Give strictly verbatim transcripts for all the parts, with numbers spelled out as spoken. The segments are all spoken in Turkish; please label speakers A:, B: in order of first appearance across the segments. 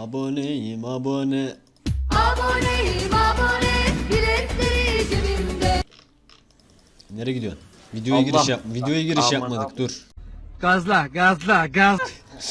A: Aboneyim abone.
B: Aboneyim abone, biletleri cebimde.
A: Nereye gidiyorsun? Videoya
C: Allah.
A: giriş yap. Videoya giriş
C: Aman
A: yapmadık.
C: abi.
A: Dur.
D: Gazla, gazla, gaz.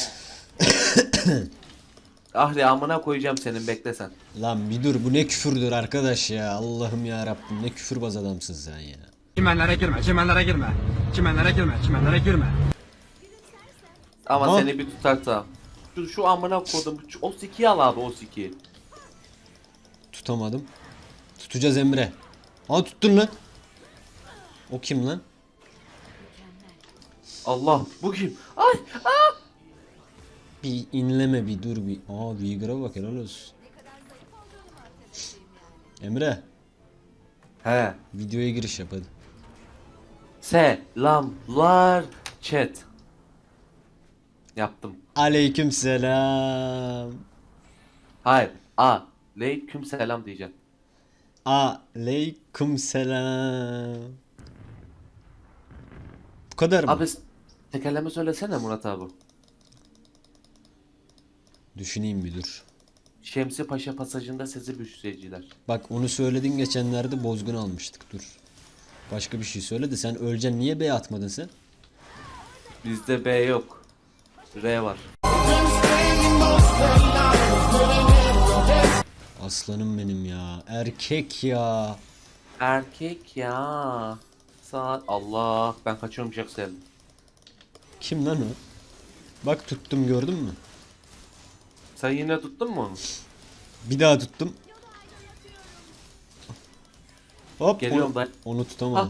C: Ahri amına koyacağım senin, bekle sen.
A: Lan bir dur, bu ne küfürdür arkadaş ya. Allah'ım ya Rabbim, ne küfürbaz adamsın sen ya.
D: Çimenlere girme, çimenlere girme. Çimenlere girme, çimenlere girme.
C: Ama
A: Ha?
C: seni bir tutarsa. Şu, şu amına koydum. Şu- O sikiyi al abi, o sikiyi.
A: Tutamadım. Tutacağız Emre. Aa tuttun lan. O kim lan?
C: Allah, bu kim? Ay, aa!
A: Bir inleme, bir dur bir. Aa Vigar'a bak, helal olsun. Emre,
C: He.
A: videoya giriş yap hadi.
C: Selamlar chat. Yaptım.
A: Aleyküm selam.
C: Hayır. A. Aleyküm selam diyeceğim.
A: Aleyküm selam. Bu kadar mı?
C: Abi s- tekerleme söylesene Murat abi.
A: Düşüneyim bir dur.
C: Şemsi Paşa pasajında sizi büyüseyiciler.
A: Bak onu söyledin geçenlerde, bozgun almıştık, dur. Başka bir şey söyle de, sen öleceksin, niye B atmadın sen?
C: Bizde B yok. R var.
A: Aslanım benim ya. Erkek ya.
C: Erkek ya. Saat. Allah, ben kaçıyorum Jackson.
A: Kim lan o? Bak tuttum, gördün mü?
C: Sen yine tuttun mu onu?
A: Bir daha tuttum. Hop.
C: Geliyorum
A: onu,
C: ben.
A: onu tutamadım.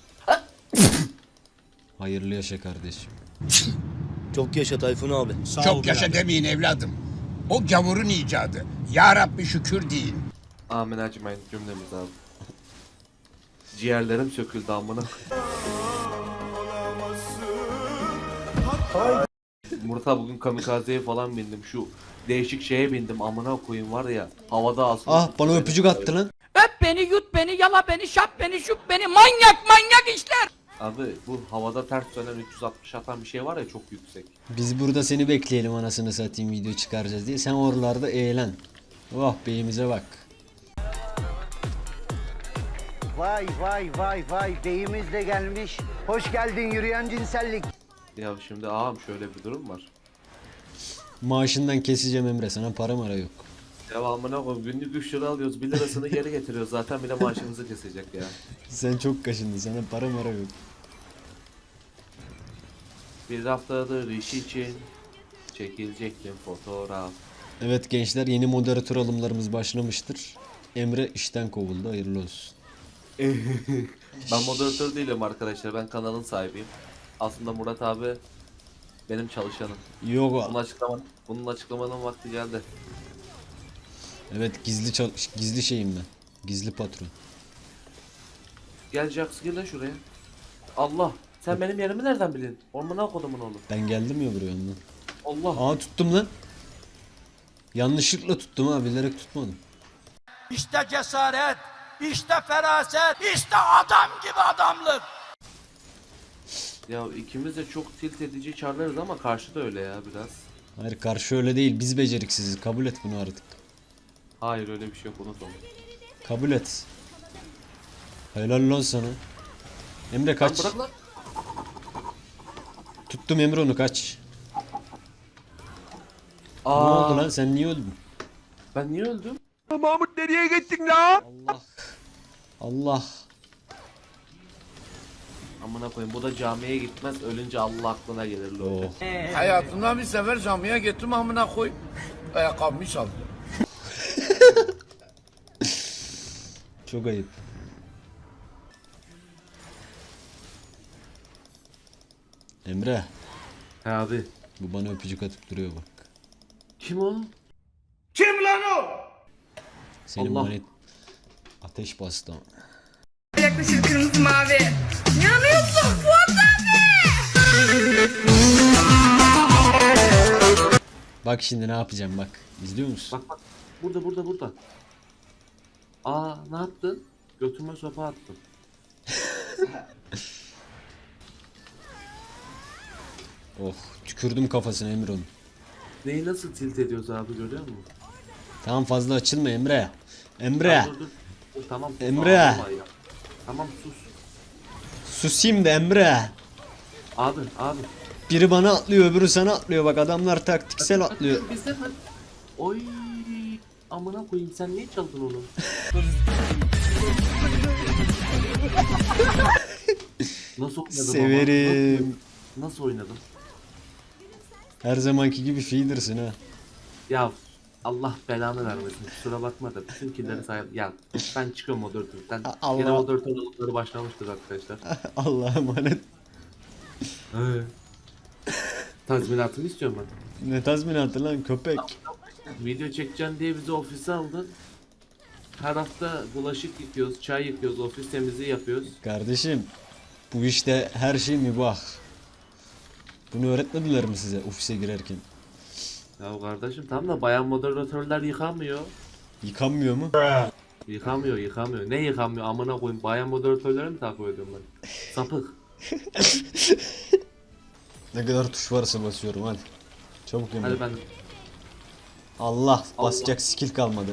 A: Hayırlı yaşa kardeşim.
E: Çok yaşa Tayfun abi.
F: Çok yaşa demeyin evladım. O gavurun icadı. Ya Rabbi şükür deyin.
C: Amin, acımayın cümlemiz abi. Ciğerlerim söküldü amına. Murat abi, bugün kamikazeye falan bindim. Şu değişik şeye bindim, amına koyayım var ya. Havada asılı.
A: Ah, bana öpücük attı lan.
G: Öp beni, yut beni, yala beni, şap beni, şup beni, manyak manyak işler.
C: Abi bu havada ters dönen üç yüz altmış atan bir şey var ya, çok yüksek.
A: Biz burada seni bekleyelim, anasını satayım, video çıkaracağız diye. Sen oralarda eğlen. Oh beyimize bak.
H: Vay vay vay vay, beyimiz de gelmiş. Hoş geldin yürüyen cinsellik.
C: Ya şimdi ağam, şöyle bir durum var.
A: Maaşından keseceğim Emre, sana para mara yok.
C: Devamına koyayım, günlük üç lira alıyoruz, bir lirasını geri getiriyoruz, zaten bir de maaşımızı kesecek ya.
A: Sen çok kaşındın, sana para mara yok.
C: Bir haftadır iş için çekilecektim fotoğraf.
A: Evet gençler, yeni moderatör alımlarımız başlamıştır. Emre işten kovuldu, hayırlı olsun.
C: Ben moderatör değilim arkadaşlar, ben kanalın sahibiyim. Aslında Murat abi benim çalışanım.
A: Yok,
C: Bunun açıklama, bunun açıklamanın vakti geldi.
A: evet gizli çal gizli şeyim ben. Gizli patron.
C: Gel Jax, gel lan şuraya. Allah, sen benim yerimi nereden bilin? Ormana kodumun oğlum.
A: Ben geldim ya buraya ondan.
C: Allah.
A: Aa tuttum lan. Yanlışlıkla tuttum ha, bilerek tutmadım.
G: İşte cesaret, işte feraset, işte adam gibi adamlık.
C: Ya ikimiz de çok tilt edici çarlarız ama karşı da öyle ya biraz.
A: Hayır, karşı öyle değil, biz beceriksiziz, kabul et bunu artık.
C: Hayır, öyle bir şey yok, unut onu.
A: Kabul et. Helal lan sana. Emre
C: Lan
A: kaç.
C: bırak lan.
A: Tuttum Emre, onu kaç. Ne
C: Aa,
A: oldu lan, sen niye öldün?
C: ben niye öldüm?
D: Mahmut nereye gittin la?
A: Allah. Allah.
C: Amına koyayım, bu da camiye gitmez, ölünce Allah aklına gelir lo.
A: Oh.
F: Hayatımda bir sefer camiye gittim amına koy. Ayakkabımı çaldı.
A: Çok ayıp. Emre,
C: He abi.
A: bu bana öpücük atıp duruyor bak.
C: Kim o?
A: Senin
C: Allah.
A: manet ateş bastı ama.
B: Yaklaşır kırmızı mavi. Yanıyorsun Fuat abi.
A: Bak şimdi ne yapacağım bak. İzliyor musun?
C: Bak bak. Burada burada burada. Aa, ne yaptın? Götüme sopa attın.
A: Oh, tükürdüm kafasına Emre onun.
C: Neyi nasıl tilt ediyoruz abi görüyor musun?
A: Tamam fazla açılma Emre. Emre.
C: Dur, dur. Dur, tamam. sus,
A: Emre.
C: ağlama ya. Tamam sus.
A: Susayım da Emre.
C: Abi abi.
A: Biri bana atlıyor öbürü sana atlıyor bak adamlar taktiksel atlıyor.
C: Bizden hadi. Oy. Amına koyayım sen niye çaldın onu? Nasıl oynadım ama?
A: Severim.
C: Nasıl, nasıl oynadım?
A: Her zamanki gibi feeder'sın ha.
C: Ya Allah belanı vermesin. Kusura bakma da bütün killeri sahip. Ya ben çıkıyorum moderatörden.
A: Allah.
C: Yine moderatör oldukları başlamıştır arkadaşlar.
A: Allah'a emanet.
C: He. Tazminatımı istiyorum ben.
A: Ne tazminatı lan köpek.
C: Video çekeceğim diye bizi ofise aldın. Her hafta bulaşık yıkıyoruz, çay yıkıyoruz, ofis temizliği yapıyoruz.
A: Kardeşim bu işte her şey mübah. Bunu öğretmediler mi size ofise girerken?
C: Ya kardeşim tamam da bayan moderatörler yıkamıyor.
A: Yıkanmıyor mu?
C: Yıkamıyor, yıkamıyor. Ne yıkamıyor amına koyayım? Bayan moderatörleri mi takip ediyorum ben? Sapık.
A: Ne kadar tuş varsa basıyorum hadi. Çabuk Emre.
C: Hadi ben
A: Allah basacak skill kalmadı.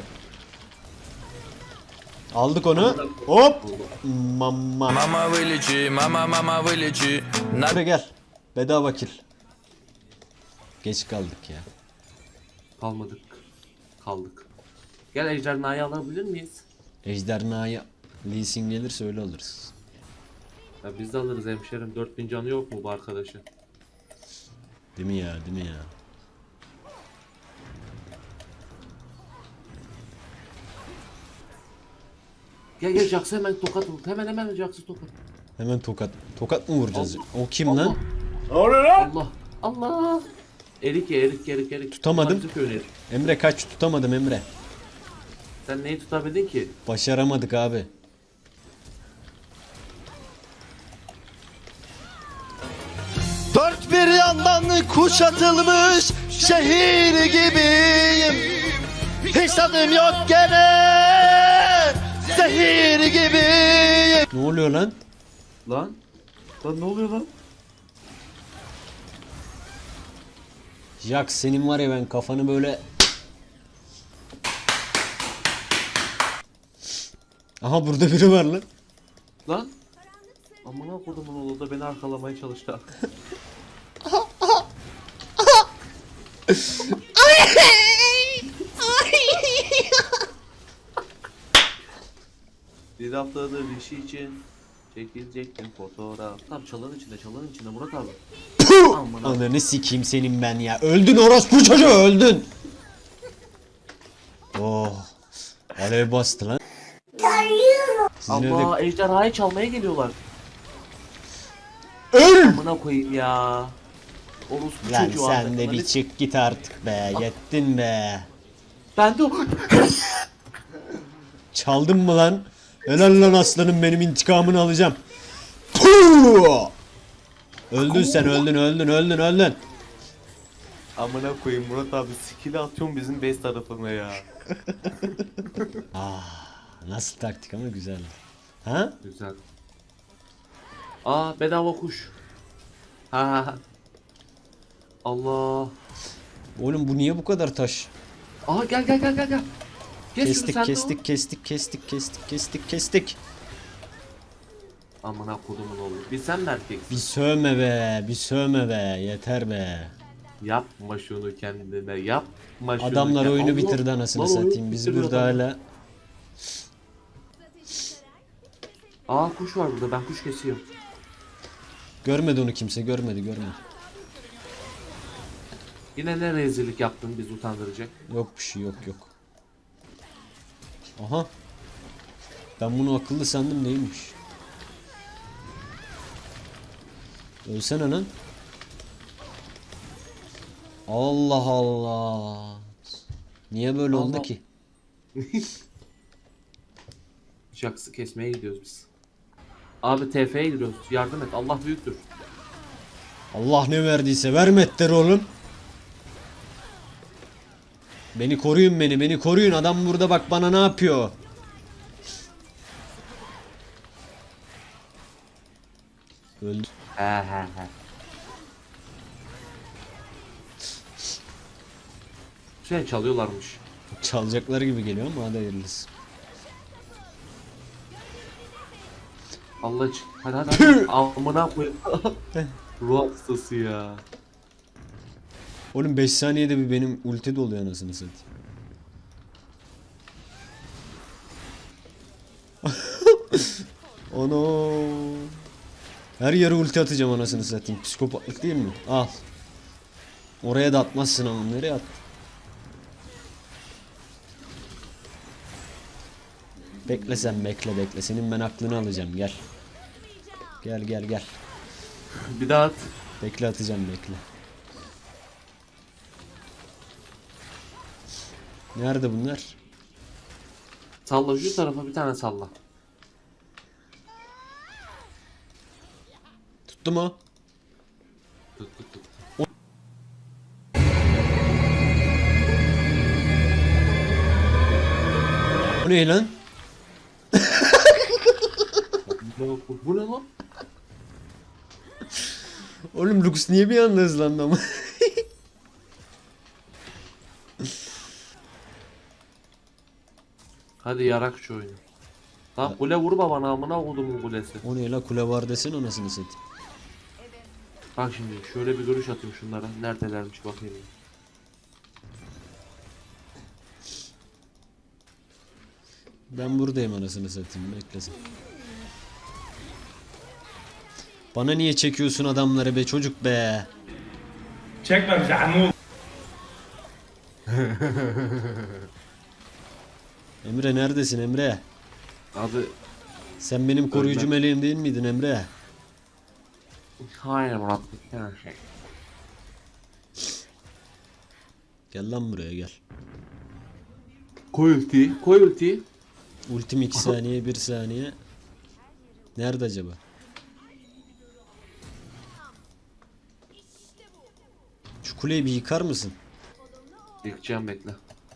A: Aldık onu. Hop. Mama.
I: Mama village, mama mama village.
A: Nerede gel. Bedava kill. Geç kaldık ya.
C: kalmadık. Kaldık. Gel ejderhayı alabilir miyiz?
A: Ejderhaya Lee Sin gelirse öyle alırız.
C: Ya biz de alırız hemşerim. dört bin canı yok mu bu arkadaşın?
A: Değil mi ya değil mi ya?
C: Gel gel Jax'a hemen tokat vur. Hemen hemen Jax'a tokat.
A: Hemen tokat. Tokat mı vuracağız?
C: Allah.
A: O kim
C: Allah.
A: lan?
C: Allah. Allah. Erik ye erik erik erik.
A: Tutamadım.
C: Bunlar bizim köyün erik.
A: Emre kaç tutamadım Emre.
C: Sen neyi tutabildin ki?
A: Başaramadık abi.
E: Dört bir yandan kuşatılmış şehir gibiyim. Hiç tadım yok gene zehir gibiyim.
A: Ne oluyor lan?
C: Lan? Lan ne oluyor lan?
A: Jack senin var ya ben kafanı böyle... Aha burada biri var lan.
C: Lan? Amına kodumun oğlu da beni arkalamaya çalıştı. Bir haftadır işi için çekilecektim fotoğraf. Tam çalın içinde çalın içinde Murat abi. Amına.
A: Ananı sikeyim senin ben ya. Öldün orospu çocuğu öldün. Oh. Alev bastı lan. Sizin
C: Allah
A: evde...
C: ejderhayı çalmaya geliyorlar.
A: Öl!
C: Amına koyayım ya. Orospu
A: Lan
C: çocuğu
A: sen
C: Ahmet.
A: de bir
C: Hani-
A: çık git artık be. Yettin be.
C: Ben de o...
A: Çaldın mı lan? Helal lan aslanım benim intikamını alacağım. Puh! Öldün sen öldün öldün öldün öldün.
C: Amına koyayım Murat abi skill'i atıyorum bizim base tarafına ya.
A: Nasıl taktik ama güzel. Ha?
C: Güzel. Aa bedava kuş. Ha ha ha. Allah.
A: Oğlum bu niye bu kadar taş?
C: Aha gel gel gel gel gel. Geç şunu
A: Kestik
C: sen de
A: kestik kestik kestik kestik kestik kestik.
C: o. Amına kodumun oğlu. Bir sen mi erkeksin?
A: Bir sövme be bir sövme be yeter be.
C: Yapma şunu kendine yapma şunu.
A: Adamlar
C: kendine.
A: oyunu
C: Allah!
A: bitirdi anasını
C: Lan oyunu
A: satayım. Biz
C: bitiriyor
A: burada
C: adam.
A: hala.
C: Aa kuş var burada ben kuş kesiyorum.
A: Görmedi onu kimse görmedi görmedi.
C: Yine ne rezillik yaptın biz utandıracak.
A: Yok bir şey yok yok. Aha. Ben bunu akıllı sandım değilmiş. Ölsene lan. Allah Allah. Niye böyle oldu
C: Allah.
A: ki?
C: Jax'ı kesmeye gidiyoruz biz. Abi T F'ye gidiyoruz. Yardım et. Allah büyüktür.
A: Allah ne verdiyse vermettir oğlum. Beni koruyun beni beni koruyun adam burada bak bana ne yapıyor. Öldü.
C: He he he. Şey çalıyorlarmış.
A: Çalacakları gibi geliyor ama hadi hayırlısı.
C: Allah için. Hadi hadi hadi. Amına koyayım. Ruh hastası ya.
A: Oğlum beş saniyede bir benim ulti doluyor anasını satayım. Ono. Her yere ulti atacağım anasını satayım. Psikopatlık değil mi? Al. Oraya da atmazsın ama nereye at? Bekle sen bekle bekle. Senin ben aklını alacağım gel. Gel gel gel.
C: Bir daha at.
A: Bekle atacağım bekle. Nerede bunlar?
C: Salla şu tarafa bir tane salla.
A: Tuttu mu?
C: Tut tut tut.
A: Bu ne lan?
C: Bu, bu ne lan?
A: Oğlum Lux niye bir anda hızlandı ama?
C: Hadi yarak şu oyunu. Lan kule vurma bana amına kodumun kulesi.
A: O ne la kule var desene anasını satayım.
C: Bak şimdi şöyle bir görüş atayım şunlara. Neredelermiş bakayım.
A: Ben buradayım anasını satayım beklesin. Bana niye çekiyorsun adamları be çocuk be?
D: Çekme bizi amul.
A: Emre neredesin Emre?
C: Abi
A: Sen benim koruyucu
C: Ölmem.
A: meleğim değil miydin Emre?
C: hayır Murat. Her şey.
A: Gel lan buraya gel.
C: Koy ultiyi. Koy ultiyi.
A: Ultim iki saniye bir saniye. Nerede acaba? Şu kuleyi bir yıkar mısın?
C: Yıkacağım bekle.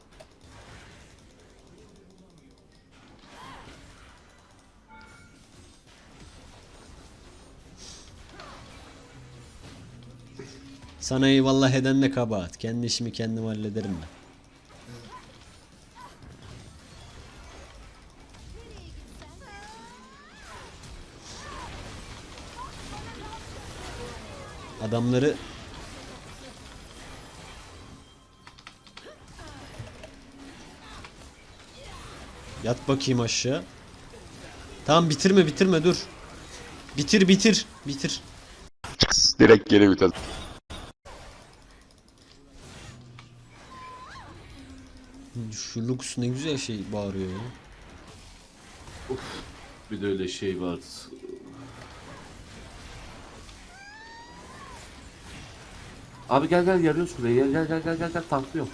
A: Sana eyvallah eden de kabahat. Kendi işimi kendim hallederim ben. Adamları yat bakayım aşağı. Tamam bitirme bitirme dur. Bitir bitir bitir.
E: Direkt geri vites.
A: Şu Lux ne güzel şey bağırıyor ya.
C: Bir de öyle şey var. Abi gel gel yarıyoruz kuleyi. Gel gel gel gel gel gel tanklıyorum.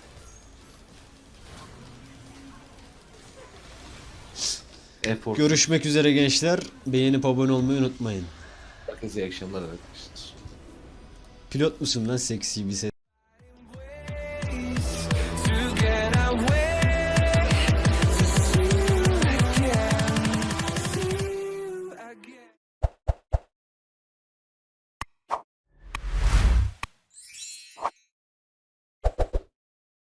C: Efor.
A: Görüşmek üzere gençler. Beğenip abone olmayı unutmayın.
C: Herkese iyi akşamlar arkadaşlar.
A: Pilot musun lan seksi bir ses?